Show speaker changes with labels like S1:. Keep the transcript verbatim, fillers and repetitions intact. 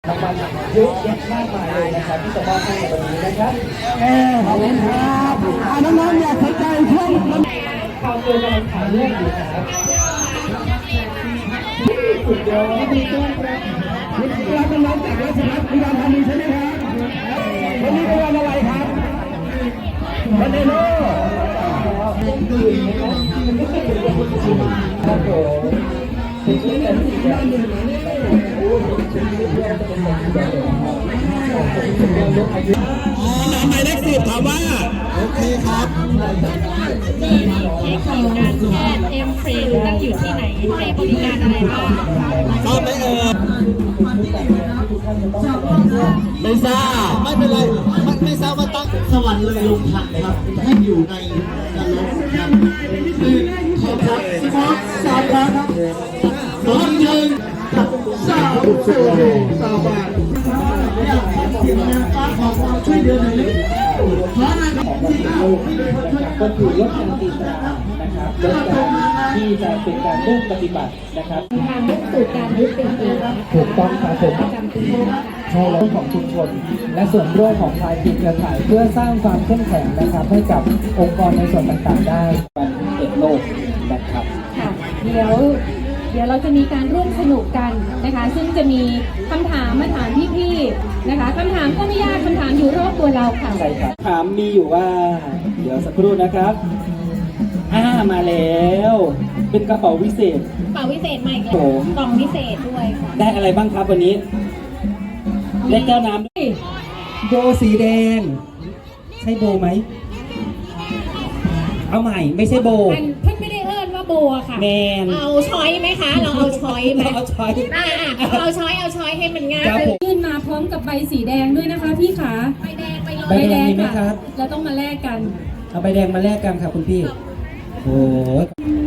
S1: รางวัลเยอะแยะมากมายเลยนะครับที่จะมอบให้ในวันนี้นะครับเออขอบคุณครับน้องๆอยากสนใจช่วงข่าวเกี่ยวกับข่าวเรื่องอยู่ครับสุดยอดดีต้อนรับเราเป็นน้องจากราชพัฒน์อุดรธานีใช่ไหมครับวันนี้เป็นวันอะไรครับวันเดโน่ครับผมเป็นชื่อแต่ที่จะหมายเลขสิบถามว่าโอเคครับ
S2: เทคนิคการแพทย์เอ็มฟรีตั้งอยู่ที่ไหนให้บริการอะไรบ้าง
S1: ทราบไหมเอ่ยไม่ทราบไม่เป็นไรไม่ไม่ทราบว่าตั้ง
S3: สวรรค์เลยลงทันครับให้อยู่ในนรกครับคือขอบคุณสมองสามครั้งครับสองหนึ่งสามสี่สามบาทอยากขอเสียงแรงฟ้าขอความช่วยเหลือหน่อยเลยขอหน่อยครับที่เอา
S1: ก็คือลดการตีตรานะครับลดการที่จะเป็นการเริ่มปฏิบัตินะครับ
S2: การมุ่งสู่การยึดเป็นเอง
S1: ถูกต้องครับผม
S2: ประจำปี
S1: ใช่แล้วของชุมชนและส่วนร่วมของภาคีเครือข่ายเพื่อสร้างความเข้มแข็งนะครับให้กับองค์กรในส่วนต่างๆได้วันเด็กโลกนะครับ
S2: ค่ะเดี๋ยวเดี๋ยวเราจะมีการร่วมสนุกกันนะคะซึ่งจะมีคำถามมาถามพี่ๆนะคะคำถามก็ไม่ยากคำถามอยู่รอบตัวเราค่ะ
S1: ใช่ครับถามมีอยู่ว่าเดี๋ยวสักครู่นะครับอ่ามาแล้วเป็นกระเป๋าวิเศษ
S2: กระเป๋าวิเศษใหม่กล่องวิเศษด้วยค่ะ
S1: ได้อะไรบ้างครับวันนี้เล็กแก้วน้ำโบสีแดงใช่โบไหมเอาใหม่ไม่ใช่โบ
S2: เพิ่งไม่ได้เอิ้นว่าโบค่ะ
S1: แมน
S2: เอาช้อยไหมคะเราเอาช้อยไหม
S1: เอาช้อย
S2: อ่าเอาช้อยเอาช้อยให้มันง่าย
S4: ยื่นมาพร้อมกับใบสีแดงด้วยนะคะพี่ขา
S2: ใบแดง
S4: ใบแดงมีไหมครับ
S1: เรา
S4: ต้องมาแลกกัน
S1: เอาใบแดงมาแลกกันครับคุณพี่โอ้